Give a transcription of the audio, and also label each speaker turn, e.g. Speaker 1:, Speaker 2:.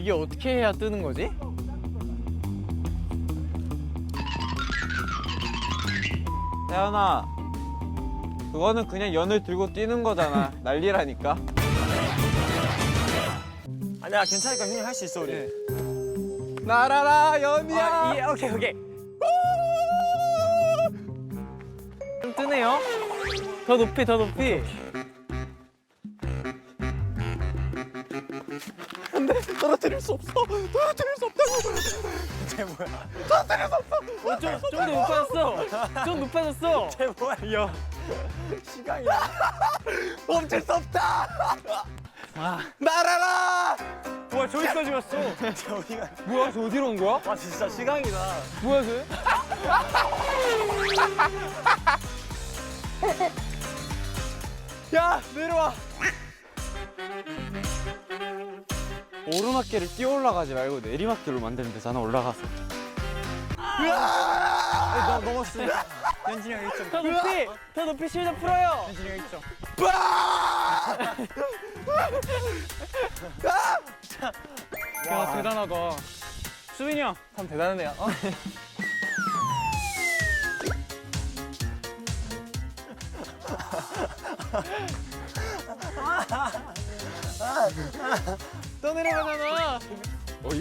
Speaker 1: 이게 어떻게 해야 뜨는 거지?
Speaker 2: 태연아, 그거는 그냥 연을 들고 뛰는 거잖아. 난리라니까.
Speaker 3: 아니야, 괜찮으니까 형님 할 수 있어, 우리.
Speaker 2: 날아라 연이야.
Speaker 1: 오케이 오케이. 좀 뜨네요. 더 높이 더 높이.
Speaker 2: 떨어뜨릴 수 없어. 떨어뜨릴 수 없다고.
Speaker 3: 쟤 뭐야?
Speaker 2: 떨어뜨릴 수 없어.
Speaker 1: 좀 더 높아졌어. 좀 높아졌어.
Speaker 3: 쟤 뭐야? 야, 시간이야.
Speaker 2: 멈출 수 없다.
Speaker 1: 아,
Speaker 2: 날아라.
Speaker 1: 와 저기까지 왔어.
Speaker 3: 쟤 어디가?
Speaker 1: 뭐야 저 어디로 온 거야?
Speaker 3: 와, 진짜 시간이다.
Speaker 1: 뭐야 쟤?
Speaker 2: 야 내려와. 오르막길을 뛰어 올라가지 말고 내리막길로 만들면 되잖아. 올라가서.
Speaker 3: 너 넘었어. 현진이 형 1점.
Speaker 1: 더 높이 실드 풀어요.
Speaker 3: 현진이 형 1점.
Speaker 1: 야 대단하다. 수빈이 형 참 대단하네요. 또 내려가잖아.